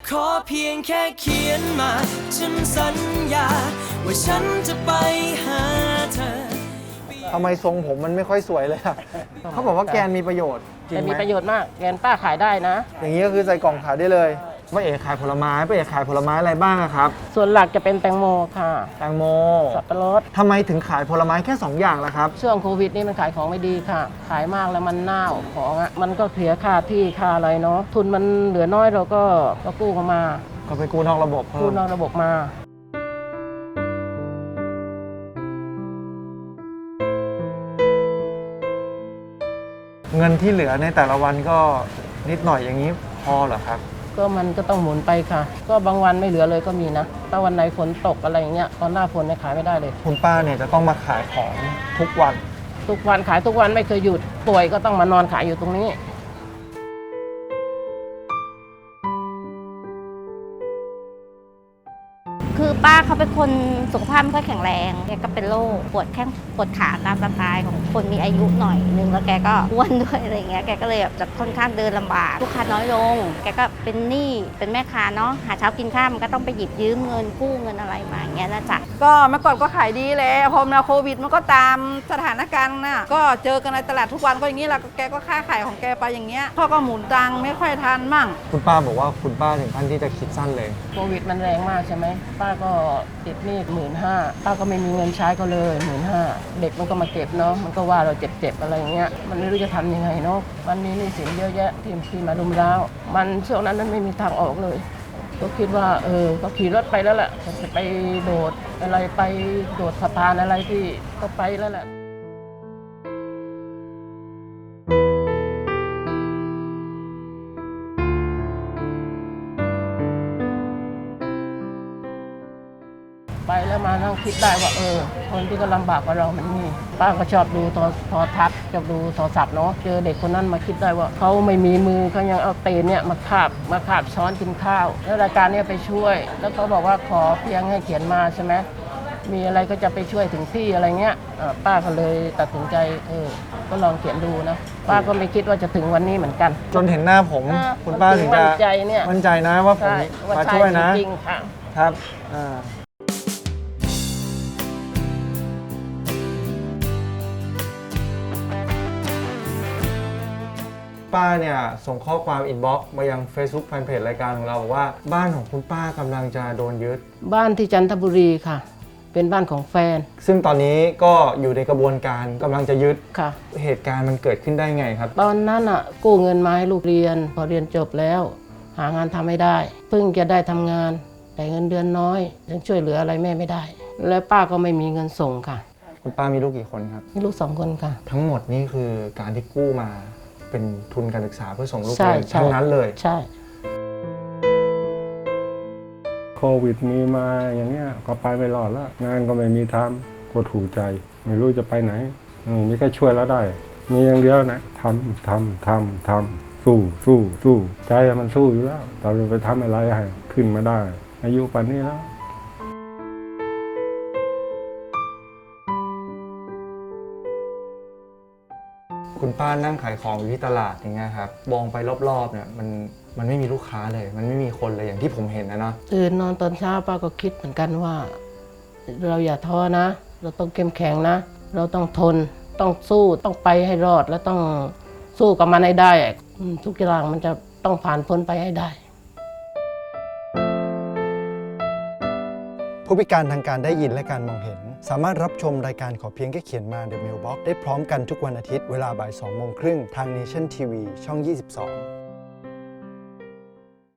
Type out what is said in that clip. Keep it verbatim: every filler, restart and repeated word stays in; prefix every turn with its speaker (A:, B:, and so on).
A: ขอเพียงแค่เขียนมาฉันสัญญาว่าฉันจะไปหาเธอ
B: ทำไมทรงผมมันไม่ค่อยสวยเลยอะเขาบอกว่าแกนมีประโยชน์จริง
C: แต่
B: ไหม
C: มีประโยชน์มากแกนป้าขายได้นะ
B: อย่างนี้ก็คือใส่กล่องขายได้เลยป้าเอ๋ขายผลไม้ป้าเอ๋ขายผลไม้อะไรบ้างอะครับ
C: ส่วนหลักจะเป็นแตงโมค่ะ
B: แตงโม
C: สับปะรด
B: ทำไมถึงขายผลไม้แค่สองอย่างล่ะครับ
C: ช่วงโควิดนี่มันขายของไม่ดีค่ะ ขายมากแล้วมันเน่าของอ่ะมันก็เสียค่าที่ค่าอะไรเนาะทุนมันเหลือน้อยเราก็ก็กู้เข้ามา
B: ก็ไปกู้นอกระบบเพิ่
C: กู้
B: ม
C: นอกระบบมา
B: เงินที่เหลือในแต่ละวันก็นิดหน่อยอย่างนี้พอเหรอครับ
C: ก็มันก็ต้องหมุนไปค่ะ ก็บางวันไม่เหลือเลยก็มีนะถ้าวันไหนฝนตกอะไรอย่างเงี้ยตอนหน้าฝนเนี่ยขายไม่ได้เลย
B: คุณป้าเนี่ยจะต้องมาขายของทุกวัน
C: ทุกวันขายทุกวันไม่เคยหยุดป่วยก็ต้องมานอนขายอยู่ตรงนี้
D: คือป้าเขาเป็นคนสุขภาพไม่ค่อยแข็งแรงแกก็เป็นโรคปวดแข้งปวดขาตามสไตล์ของคนมีอายุหน่อยนึงแล้วแกก็อ้วนด้วยอะไรเงี้ยแกก็เลยแบบจะค่อนข้างเดินลำบากลูกค้าน้อยลงแกก็เป็นหนี้เป็นแม่ค้าเนาะหาเช้ากินข้าวมันก็ต้องไปหยิบยืมเงินกู้เงินอะไรมาอย่างเงี้ยนะจ๊ะ
E: ก็เมื่อก่อนก็ขายดีแหละพอมาโควิดมันก็ตามสถานการณ์น่ะก็เจอกันในตลาดทุกวันก็อย่างนี้แหละแกก็ค้าขายของแกไปอย่างเงี้ยพ่อก็หมุนตังค์ไม่ค่อยทันมั่ง
B: คุณป้าบอกว่าคุณป้าถึงขั้นที่จะคิดสั้นเลย
C: โควิดมันแรงมากใช่ไหมป้าก็ติดหนี้หมื่นห้าป้าก็ไม่มีเงินใช้ก็เลยหมื่นห้าเด็กมันก็มาเก็บเนาะมันก็ว่าเราเจ็บๆอะไรอย่างเงี้ยมันไม่รู้จะทำยังไงเนาะมันมีหนี้สินเยอะแยะที่ที่มารุมเร้ามันช่วงนั้นมันไม่มีทางออกเลย ก็คิดว่าเออก็ขี่รถไปแล้วแหละจะไปโดดอะไรไปโดดสะพานอะไรที่ก็ไปแล้วแหละไปแล้วมานั่งคิดได้ว่าเออคนที่ก็ลำบากกว่าเรามันมีป้าก็ชอบดูโทรโทรทัศน์ชอบดูโทรศัพท์เนาะเจอเด็กคนนั้นมาคิดได้ว่าเขาไม่มีมือเขายังเอาเตนเนี่ยมาคาบมาคาบช้อนกินข้าวแล้วรายการเนี้ยไปช่วย แล้วเขาบอกว่าขอเพียงให้เขียนมาใช่ไหมมีอะไรก็จะไปช่วยถึงที่อะไรเงี้ยป้าก็เลยตัดสินใจเออก็ลองเขียนดูนะป้าก็ไม่คิดว่าจะถึงวันนี้เหมือนกัน
B: จนเห็นหน้าผม
C: เออ
B: คุณป้าถึงจะ
C: มั่นใจเนี่ย
B: มั่นใจนะว่าผม
C: ใช่ว่า
B: มา
C: ใช่
B: ช่วยนะ
C: จริงๆค่ะ
B: ครับอ่าป้าเนี่ยส่งข้อความอินบ็อกซ์มายัง Facebook แฟนเพจรายการของเราบอกว่าบ้านของคุณป้ากำลังจะโดนยึด
C: บ้านที่จันทบุรีค่ะ เป็นบ้านของแฟน
B: ซึ่งตอนนี้ก็อยู่ในกระบวนการกำลังจะยึด
C: ค่ะ
B: เหตุการณ์มันเกิดขึ้นได้ไงครับ
C: ตอนนั้นอ่ะกู้เงินมาให้ลูกเรียน พอเรียนจบแล้ว หางานทำไม่ได้เพิ่งจะได้ทำงานแต่เงินเดือนน้อยยังช่วยเหลืออะไรแม่ไม่ได้ และป้าก็ไม่มีเงินส่งค่ะ
B: คุณป้ามีลูกกี่คนครับ
C: มีลูกสองคนค่ะ
B: ทั้งหมดนี่คือการที่กู้มาเป็นทุนการศึกษาเพื่อส่งลูก
C: ใช่
B: เรียน
C: ใช่
B: ทั้งนั้นเลย
C: ใช่
F: โควิดมีมาอย่างเงี้ยก็ไปไม่รอดแล้วงานก็ไม่มีทำก็ถูกใจ ไม่รู้จะไปไหนอืมนี่ก็ช่วยแล้วได้ มีอย่างเดียวนะทำทำทำทำสู้สู้สู้ใจมันสู้อยู่แล้วเราจะไปทำอะไรให้ขึ้นมาได้ อายุป่านนี้แล้ว
B: คุณป้านั่งขายของอยู่ที่ตลาดอย่างเงี้ยครับมองไปรอบๆเนี่ยมันมันไม่มีลูกค้าเลย มันไม่มีคนเลยอย่างที่ผมเห็นนะเนาะ
C: ตื่นนอนตอนเช้าป้าก็คิดเหมือนกันว่า เราอย่าท้อนะ เราต้องเข้มแข็งนะ เราต้องทนต้องสู้ต้องไปให้รอดและต้องสู้กับมันให้ได้อืมทุกอย่างมันจะต้องผ่านพ้นไปให้ได้
B: ผู้พิการทางการได้ยินและการมองเห็น สามารถรับชมรายการขอเพียงแค่เขียนมา The Mailbox ได้พร้อมกันทุกวันอาทิตย์เวลาบ่ายสองโมงครึ่งทาง Nation ที วี ช่อง ยี่สิบสอง